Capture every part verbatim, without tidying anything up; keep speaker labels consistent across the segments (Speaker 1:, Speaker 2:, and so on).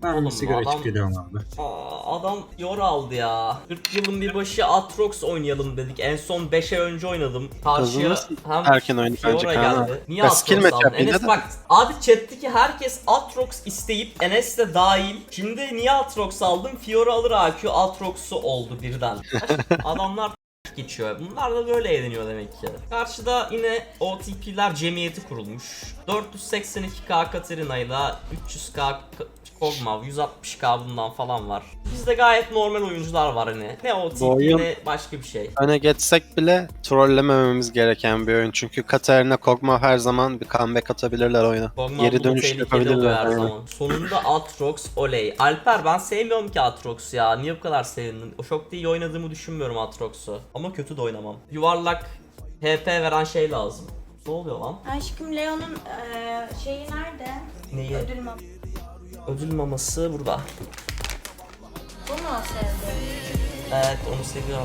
Speaker 1: Ben
Speaker 2: Oğlum,
Speaker 1: bir sigara
Speaker 2: adam-
Speaker 1: içip geliyorum abi.
Speaker 2: Aa, adam yor aldı ya. kırk yılın bir başı Aatrox oynayalım dedik. En son beş ay önce oynadım. Karşıya
Speaker 3: Kızınız
Speaker 2: hem
Speaker 3: erken oyunu bence
Speaker 2: Fiora
Speaker 3: Kaan
Speaker 2: geldi.
Speaker 3: abi.
Speaker 2: Niye
Speaker 3: Ya skill
Speaker 2: Aatrox aldın?
Speaker 3: matchup yine
Speaker 2: Enes
Speaker 3: de.
Speaker 2: bak abi chatteki herkes Aatrox isteyip Enes de dahil. Şimdi niye Aatrox aldım? Fiora alır A Q Aatrox'u oldu birden. Adamlar geçiyor. Bunlar da böyle eğleniyor demek ki. Karşıda yine O T P'ler cemiyeti kurulmuş. dört yüz seksen iki K Katarina ile üç yüz K Kog'Maw, yüz altmış K bundan falan var. Bizde gayet normal oyuncular var hani. Ne O T P
Speaker 3: oyun-
Speaker 2: ne başka bir şey.
Speaker 3: Öne geçsek bile trollemememiz gereken bir oyun. Çünkü Katarina Kog'Maw her zaman bir comeback atabilirler oyuna.
Speaker 2: Kog'Maw
Speaker 3: Geri
Speaker 2: bu
Speaker 3: dönüş
Speaker 2: tehlikeli oluyor
Speaker 3: yapabilirler.
Speaker 2: her
Speaker 3: Aynen.
Speaker 2: zaman. Sonunda Aatrox oley. Alper ben sevmiyorum ki Aatrox ya. Niye bu kadar sevindin? O çok da iyi oynadığımı düşünmüyorum Aatrox'u. Ama kötü de oynamam. Yuvarlak H P veren şey lazım. Ne oluyor lan?
Speaker 4: Aşkım Leon'un eee, şeyi nerede?
Speaker 2: Neyi?
Speaker 4: Ödül mü?
Speaker 2: Ödül maması burada.
Speaker 4: Bu mu sevdi?
Speaker 2: Evet onu seviyorum.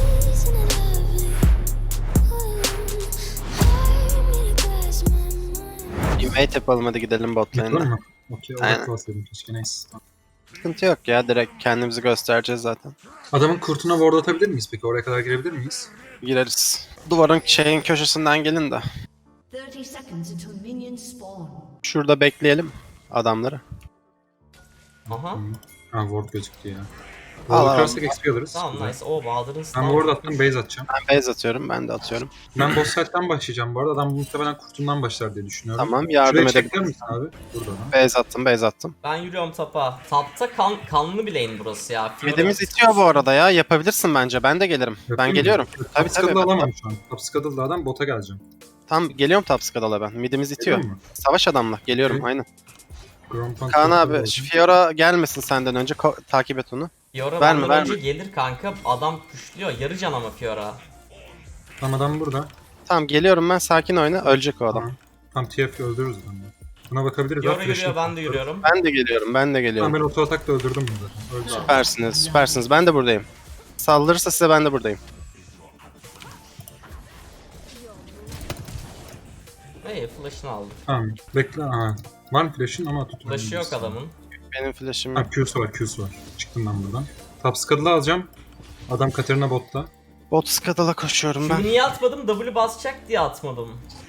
Speaker 3: Invade yapalım, hadi gidelim bot
Speaker 1: Yapalım
Speaker 3: lane'e.
Speaker 1: mı? Okey,
Speaker 3: Aynen.
Speaker 1: olarak bahsedeyim keşke, neyse. Tamam.
Speaker 3: Sıkıntı yok ya, direkt kendimizi göstereceğiz zaten.
Speaker 1: Adamın kurtuna ward atabilir miyiz peki? Oraya kadar girebilir miyiz?
Speaker 3: Gireriz. Duvarın şeyin köşesinden gelin de.
Speaker 5: thirty seconds until minions spawn.
Speaker 3: Şurada bekleyelim adamları.
Speaker 2: Aha.
Speaker 1: Ha, ward gözüktü ya.
Speaker 3: Al,
Speaker 1: Ward
Speaker 3: al.
Speaker 1: kırarsak X P alırız.
Speaker 2: Tamam
Speaker 1: Güzel.
Speaker 2: nice. O Bahadır'ın
Speaker 1: Ben
Speaker 2: stun.
Speaker 1: ward attım, base atacağım.
Speaker 3: Ben base atıyorum, ben de atıyorum.
Speaker 1: Ben boss fight'tan başlayacağım bu arada. Adam muhtemelen kurtundan başlar diye düşünüyorum.
Speaker 3: Tamam, yardım
Speaker 1: Şuraya çeker
Speaker 3: edebiliriz.
Speaker 1: misin abi? Burada da.
Speaker 3: Base attım, base attım.
Speaker 2: Ben yürüyorum tapa. Tapta kan, kanlı bir lane burası ya. Fiora-
Speaker 3: Midimiz itiyor bu arada ya, yapabilirsin bence. Ben de gelirim.
Speaker 1: Yapayım
Speaker 3: ben
Speaker 1: mı?
Speaker 3: geliyorum.
Speaker 1: Top
Speaker 3: Tabii tabii.
Speaker 1: Scuddle'ı alamam şu an. Top Scuddle'da adam, bota geleceğim.
Speaker 3: Tam geliyorum top skadala ben. Midimiz itiyor.
Speaker 1: Geliyor mu?
Speaker 3: Savaş adamla. Geliyorum
Speaker 1: Okey.
Speaker 3: aynen.
Speaker 1: Grompan
Speaker 3: Kaan
Speaker 1: çok
Speaker 3: abi
Speaker 1: oldu.
Speaker 3: şu Fiora gelmesin senden önce. Ko- takip et onu.
Speaker 2: Fiora
Speaker 3: Verme,
Speaker 2: benden
Speaker 3: verme.
Speaker 2: önce gelir kanka. Adam kuşluyor. Yarı can ama Fiora.
Speaker 1: Tamam, adam burada.
Speaker 3: Tamam geliyorum ben, sakin oyna. Ölecek o adam.
Speaker 1: Tamam. Tam T F öldürürüz adamı. Buna bakabiliriz.
Speaker 2: Fiora
Speaker 1: Bak,
Speaker 2: yürüyor
Speaker 1: flash'ını-
Speaker 2: ben de yürüyorum.
Speaker 3: Ben de geliyorum, ben de
Speaker 1: Tamam,
Speaker 3: geliyorum.
Speaker 1: ben auto atakla öldürdüm bunu zaten. Öldü.
Speaker 3: Süpersiniz, süpersiniz. Ben de buradayım. Saldırırsa size ben de buradayım.
Speaker 2: Hey flash'ını aldım.
Speaker 1: Tamam, bekle. Aha. Var mı flash'ın ama tutun.
Speaker 2: Flash'ı yok adamın.
Speaker 3: Benim flash'im
Speaker 1: Ha,
Speaker 3: yok.
Speaker 1: Q'su var, Q'su var. Çıktım ben buradan. Top Scuddle'ı alacağım. Adam Katarina botta.
Speaker 3: Bot skadala koşuyorum ben.
Speaker 2: Şimdi niye atmadım? W basacak diye atmadım.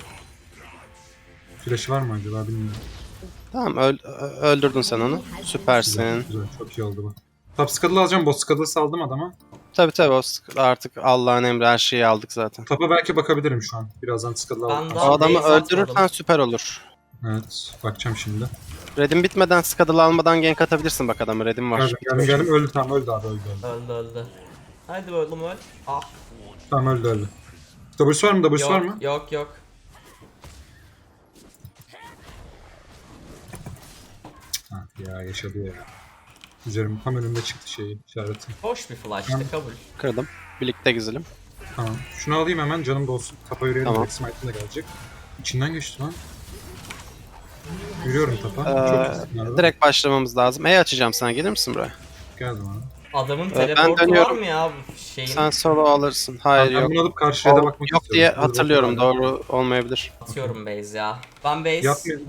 Speaker 1: Flash'ı var mı acaba bilmiyorum.
Speaker 3: Tamam öl- ö- öldürdün sen onu.
Speaker 1: Güzel,
Speaker 3: Süpersin.
Speaker 1: güzel. Çok iyi oldu bu. Top Scuddle'ı alacağım. Bot Scuddle'ı saldım adama.
Speaker 3: Tabii tabii o sk- artık Allah'ın emri, her şeyi aldık zaten.
Speaker 1: Top'a belki bakabilirim şu an. Birazdan Scuddle'ı
Speaker 2: Ben
Speaker 1: aldım.
Speaker 2: daha-
Speaker 3: O adamı
Speaker 2: base
Speaker 3: öldürürsen
Speaker 2: atmadım.
Speaker 3: süper olur.
Speaker 1: Evet, bakacağım şimdi.
Speaker 3: Red'in bitmeden Scuddle'ı almadan gank atabilirsin bak adamı. Red'in var.
Speaker 1: Geldim, geldim, geldim. Öldü, tamam, öldü abi, öldü, öldü.
Speaker 2: Öldü öldü. Haydi oğlum öl. Ah.
Speaker 1: Tamam, öldü, öldü. W'su var mı? W'su var mı?
Speaker 2: Yok yok yok.
Speaker 1: Ha, ya yaşadı ya. Üzerim tam önümde çıktı şeyi, işareti.
Speaker 2: Hoş bir flash'tı kabul.
Speaker 3: Kırdım. Birlikte güzelim.
Speaker 1: Tamam. Şunu alayım hemen, canım da olsun. Tapa yürüyelim,
Speaker 3: Tamam.
Speaker 1: direkt Smite'ın da gelecek. İçinden geçti lan. Yürüyorum tapa.
Speaker 3: Ee,
Speaker 1: Çok iyisin arada.
Speaker 3: Direkt başlamamız lazım. E açacağım sana, gelir misin buraya?
Speaker 1: Geldim abi.
Speaker 2: Adamın
Speaker 3: ben
Speaker 2: teleportu var
Speaker 3: dönüyorum.
Speaker 2: mı ya bu şeyin?
Speaker 3: Sen solo alırsın. Hayır
Speaker 1: Ben
Speaker 3: yok.
Speaker 1: bunu alıp karşıya da
Speaker 3: O-
Speaker 1: bakmak
Speaker 3: yok
Speaker 1: istiyorum.
Speaker 3: diye
Speaker 1: Burada
Speaker 3: hatırlıyorum.
Speaker 1: bakıyorum.
Speaker 3: Doğru olmayabilir.
Speaker 2: Atıyorum base ya. Ben base.
Speaker 1: Yapmıyor.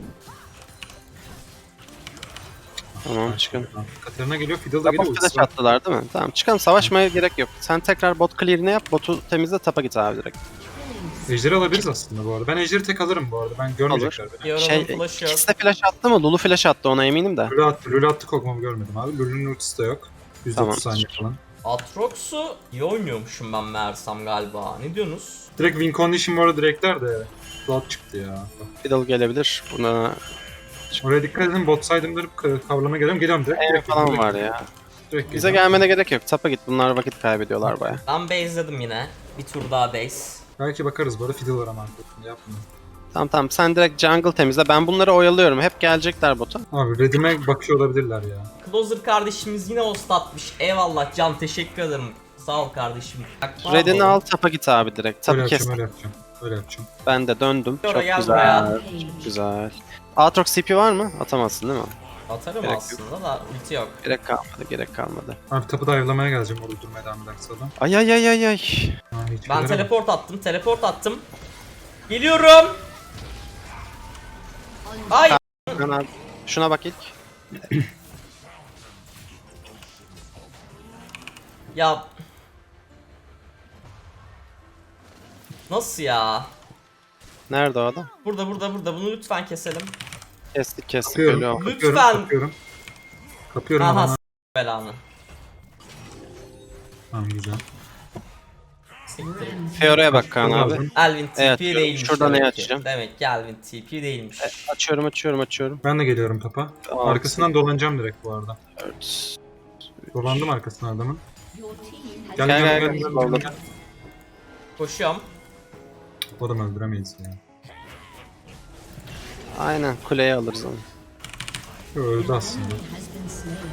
Speaker 3: Tamam çıkın.
Speaker 1: Katarina geliyor, Fiddle da geliyor.
Speaker 3: Bot flash
Speaker 1: ultisi var.
Speaker 3: attılar değil mi? Tamam çıkalım, savaşmaya gerek yok. Sen tekrar bot clear'ini yap, botu temizle, tapa git abi direkt.
Speaker 1: Ejderi alabiliriz aslında bu arada. Ben Ejderi tek alırım bu arada. Ben görmeyecekler beni.
Speaker 2: Fiora'nın
Speaker 3: Şey,
Speaker 2: flash'ı yok.
Speaker 3: ikisi de flash attı mı? Lulu flash attı, ona eminim de.
Speaker 1: Lulu attı, Lulu attı, Kog'Maw'u görmedim abi. Lulu'nun ultisi de yok. yüz otuz
Speaker 3: Tamam.
Speaker 1: saniye falan.
Speaker 2: Aatrox'u iyi oynuyormuşum ben meğersem galiba. Ne diyorsunuz?
Speaker 1: Direkt win condition bu arada direktler de. Cloud çıktı ya.
Speaker 3: Fiddle gelebilir. Buna
Speaker 1: Oraya dikkat edin, bot side'ımları kavrama geliyorum. Geliyorum direkt.
Speaker 3: en
Speaker 1: direkt
Speaker 3: falan
Speaker 1: direkt-
Speaker 3: var ya.
Speaker 1: Direkt
Speaker 3: Bize
Speaker 1: geliyorum.
Speaker 3: gelmene gerek yok. Tapa git. Bunlar vakit kaybediyorlar baya.
Speaker 2: Ben base'ledim yine. Bir tur daha base.
Speaker 1: Belki bakarız bu arada, Fiddle var ama arkasında, yapma.
Speaker 3: Tamam tamam, sen direkt jungle temizle. Ben bunları oyalıyorum. Hep gelecekler bota.
Speaker 1: Abi Redim'e bakıyor olabilirler ya.
Speaker 2: Closer kardeşimiz yine host atmış. Eyvallah Can, teşekkür ederim. Sağ ol kardeşim. Bak,
Speaker 3: Red'ini
Speaker 2: pardon.
Speaker 3: al, tapa git abi direkt.
Speaker 1: Öyle
Speaker 3: Tabii
Speaker 1: yapacağım,
Speaker 3: kes.
Speaker 1: öyle yapacağım. Öyle yapacağım.
Speaker 3: Ben de döndüm.
Speaker 2: Fiora
Speaker 3: Çok
Speaker 2: gel
Speaker 3: güzel.
Speaker 2: buraya.
Speaker 3: Çok güzel. Aatrox C P var mı? Atamazsın değil mi?
Speaker 2: Atarım
Speaker 3: Gerek
Speaker 2: aslında da ulti yok.
Speaker 3: Gerek kalmadı, gerek kalmadı.
Speaker 1: Abi tapı dive'lamaya geleceğim, orada durmaya devam ederse adam.
Speaker 3: Ay ay ay ay ay.
Speaker 1: Ha, hiç
Speaker 2: Ben
Speaker 1: gelemem.
Speaker 2: teleport attım, teleport attım. Geliyorum. Ay
Speaker 3: Ben abi, şuna bak ilk.
Speaker 2: Ya nasıl ya?
Speaker 3: Nerede o adam?
Speaker 2: Burada burada burada bunu lütfen keselim.
Speaker 3: Kestik kestik
Speaker 1: Kapıyorum,
Speaker 3: ölüyor.
Speaker 1: kapıyorum,
Speaker 2: Lütfen.
Speaker 1: kapıyorum. Kapıyorum
Speaker 2: Aha
Speaker 1: ama.
Speaker 2: s- belanı.
Speaker 1: Tamam güzel.
Speaker 2: Siktir.
Speaker 3: Fiora'ya bak Kaan abi.
Speaker 1: Lazım.
Speaker 2: Elvin T P
Speaker 3: Evet,
Speaker 2: değilmiş.
Speaker 3: şuradan
Speaker 2: demek
Speaker 3: neyi
Speaker 2: ki.
Speaker 3: açacağım?
Speaker 2: Demek ki Elvin T P değilmiş.
Speaker 3: Açıyorum açıyorum açıyorum.
Speaker 1: Ben de geliyorum topa.
Speaker 3: Aa,
Speaker 1: Arkasından dolanacağım direkt bu arada.
Speaker 3: Evet.
Speaker 1: Dolandım arkasına adamın.
Speaker 5: Your team has
Speaker 1: Gel
Speaker 3: Gel,
Speaker 1: gel
Speaker 3: gel,
Speaker 1: gel.
Speaker 3: gel.
Speaker 1: gel,
Speaker 3: Dolandım.
Speaker 1: gel.
Speaker 2: Koşuyorum.
Speaker 1: O adamı öldüremeyiz ya.
Speaker 3: Aynen kuleye alırız onu.
Speaker 1: Yo, öldü aslında.
Speaker 5: has been slain.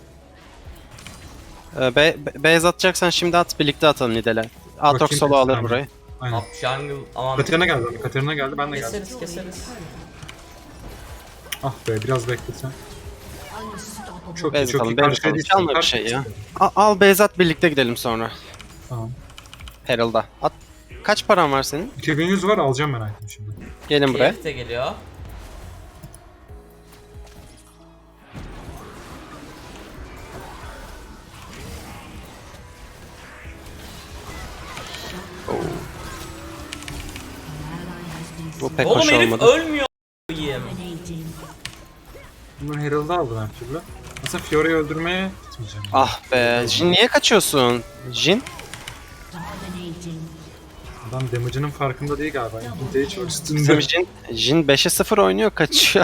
Speaker 3: Ee, be, be, base atacaksan şimdi at birlikte atalım Nidel'e. Aatrox
Speaker 1: Bakayım
Speaker 3: solo
Speaker 1: bir
Speaker 3: alır
Speaker 1: saniye.
Speaker 3: burayı.
Speaker 1: Aynen.
Speaker 2: Up jungle aman.
Speaker 1: Katerina geldi. Katerina geldi. Ben de geldim.
Speaker 2: Keseriz keseriz.
Speaker 1: Ah be biraz beklesen.
Speaker 5: Unstoppable.
Speaker 1: Çok iyi
Speaker 3: Base
Speaker 1: çok iyi.
Speaker 3: atalım, base
Speaker 1: Karşıya
Speaker 3: atalım.
Speaker 1: değil.
Speaker 3: Çalma bir
Speaker 1: karşıya
Speaker 3: şey ya.
Speaker 1: değil.
Speaker 3: Al, al base at birlikte gidelim sonra.
Speaker 1: Tamam.
Speaker 3: Herald'a. At. Kaç paran var senin?
Speaker 1: iki bin yüz var alacağım ben item şimdi.
Speaker 3: Gelin buraya.
Speaker 2: T F T geliyor.
Speaker 3: Bu pek
Speaker 2: Oğlum
Speaker 3: hoş
Speaker 2: herif
Speaker 3: olmadı.
Speaker 2: ölmüyor. a**ayım.
Speaker 5: Dominating.
Speaker 1: Bunu Herald'ı aldım her türlü. Aslında Fiora'yı öldürmeye gitmeyeceğim.
Speaker 3: Ah be. Jin niye kaçıyorsun? Jin?
Speaker 5: Dominating.
Speaker 1: Adam damage'ının farkında değil galiba. İkinci hiç
Speaker 3: Bizim
Speaker 1: üstünde.
Speaker 3: Jin, Jin beşe sıfır oynuyor kaçıyor.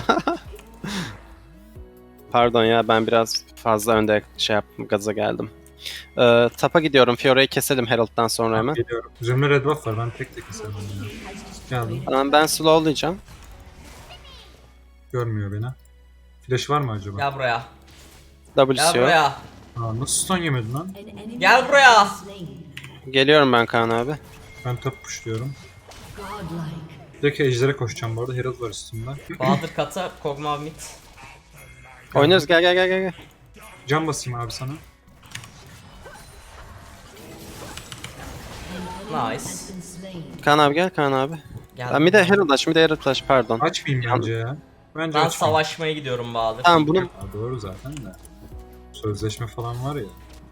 Speaker 3: Pardon ya ben biraz fazla önde şey yaptım gaza geldim. Ee, tapa gidiyorum. Fiora'yı keselim Herald'dan sonra hemen.
Speaker 1: Geliyorum. Üzerimde red buff var. Ben tek tek keserim onu ya. Geldim.
Speaker 3: Tamam ben slowlayacağım.
Speaker 1: Görmüyor beni. Flash var mı acaba?
Speaker 2: Gel buraya. Gel
Speaker 3: W'si yok.
Speaker 2: buraya.
Speaker 1: Aa, nasıl stun yemedin lan?
Speaker 5: An enemy
Speaker 2: Gel buraya.
Speaker 5: has been slain.
Speaker 3: Geliyorum ben Kaan abi.
Speaker 1: Ben top pushluyorum.
Speaker 5: Godlike.
Speaker 1: Direkt ejder'e koşacağım bu arada. Herald var üstümde.
Speaker 2: Bahadır kata, Kog'Maw mid.
Speaker 3: Oynarız gel gel gel gel. gel.
Speaker 1: Can basayım abi sana.
Speaker 2: Nice.
Speaker 5: Has been slain.
Speaker 3: Kaan abi gel Kaan abi.
Speaker 2: Geldim.
Speaker 3: Ben bir de Herald aç bir de Herald aç pardon.
Speaker 1: Açmayayım bence ya. Bence
Speaker 2: Ben
Speaker 1: açmayayım.
Speaker 2: savaşmaya gidiyorum Bahadır.
Speaker 3: Tamam bunu
Speaker 1: Aa, doğru zaten de. Sözleşme falan var ya.
Speaker 5: An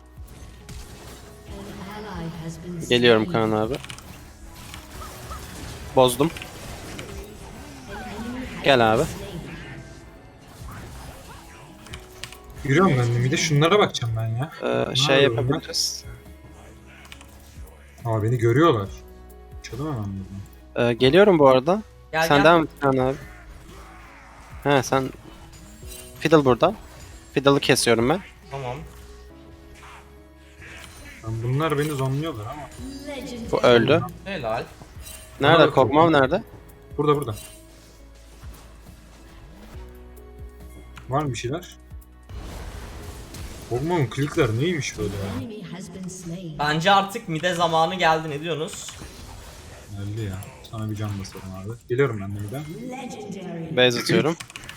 Speaker 5: ally has been slain.
Speaker 3: geliyorum Kaan abi. Bozdum. Gel abi.
Speaker 1: Yürüyorum ben de. Bir de şunlara bakacağım ben ya.
Speaker 3: Ee, şey
Speaker 1: yapıyorum ben?
Speaker 3: yapabiliriz.
Speaker 1: Aa beni görüyorlar. Çalım hemen buradan.
Speaker 3: Ee, geliyorum bu arada.
Speaker 2: Gel
Speaker 3: sen
Speaker 2: gel.
Speaker 3: devam et Kaan abi. He sen... Fiddle burada. Fiddle'ı kesiyorum ben.
Speaker 2: Tamam.
Speaker 1: Lan bunlar beni zonluyorlar ama.
Speaker 3: Bu öldü.
Speaker 2: Helal.
Speaker 3: Nerede?
Speaker 1: Nerede
Speaker 3: Kog'Maw nerede?
Speaker 1: Burada burada. Var mı bir şeyler? Kog'Maw'un klikler neymiş böyle ya?
Speaker 5: Enemy has been slain.
Speaker 2: Bence artık mide zamanı geldi, ne diyorsunuz?
Speaker 1: Geldi ya. Sana bir can basalım abi. Geliyorum ben de bir de.
Speaker 5: Legendary.
Speaker 3: Base atıyorum.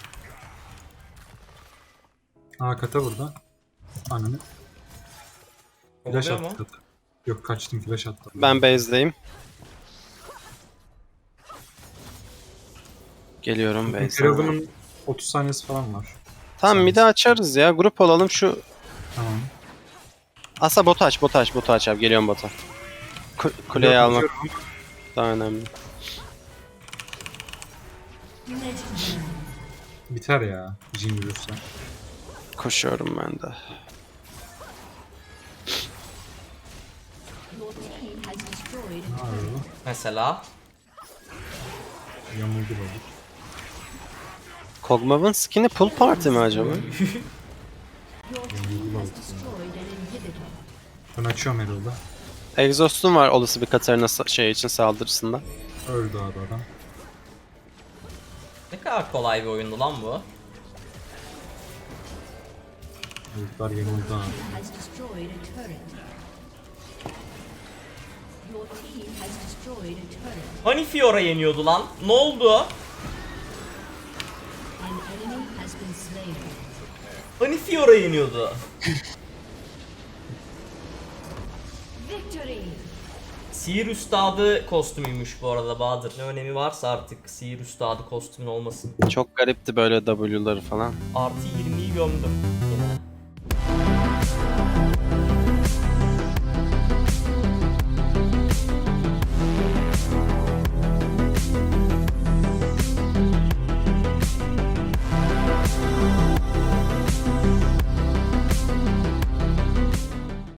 Speaker 1: Aa kata burada. Ananı. Flash
Speaker 2: Oluyor mu?
Speaker 1: attı kata. Yok kaçtım flash attı.
Speaker 3: Ben base'deyim. Geliyorum base'e.
Speaker 1: Herald'ımın otuz saniyesi falan var.
Speaker 3: Tamam mid'i açarız ya. Grup olalım şu...
Speaker 1: Tamam.
Speaker 3: Asa botu aç, botu aç, botu aç abi. Geliyorum bota. Ku- kuleyi
Speaker 1: Yok,
Speaker 3: almak
Speaker 1: atıyorum.
Speaker 3: daha önemli.
Speaker 5: Legendary.
Speaker 1: Biter ya. Jin yürürse.
Speaker 3: Koşuyorum ben de.
Speaker 5: Your team has destroyed
Speaker 1: Ne yapıyor bu?
Speaker 2: Mesela.
Speaker 1: Yamuldu böyle.
Speaker 3: Kog'Maw'ın skin'i pull party mi acaba?
Speaker 5: Your team has destroyed an inhibitor.
Speaker 1: Ben açıyorum Herald'ı.
Speaker 3: Exhaust'un var olası bir Katarina sa- şey için saldırısında.
Speaker 1: Öldü abi adam.
Speaker 2: Ne kadar kolay bir oyundu lan bu.
Speaker 1: Herald'lar yamuldu abi.
Speaker 5: Has destroyed a turret. Your team has destroyed a turret.
Speaker 2: Hani Fiora yeniyordu lan? Ne oldu?
Speaker 5: An enemy has been slain.
Speaker 2: Hani Fiora yeniyordu?
Speaker 5: Victory.
Speaker 2: Sihir Üstadı kostümüymüş bu arada Bahadır. Ne önemi varsa artık Sihir Üstadı kostümün olmasın.
Speaker 3: Çok garipti böyle W'ları falan.
Speaker 2: Artı yirmiyi gömdüm yine.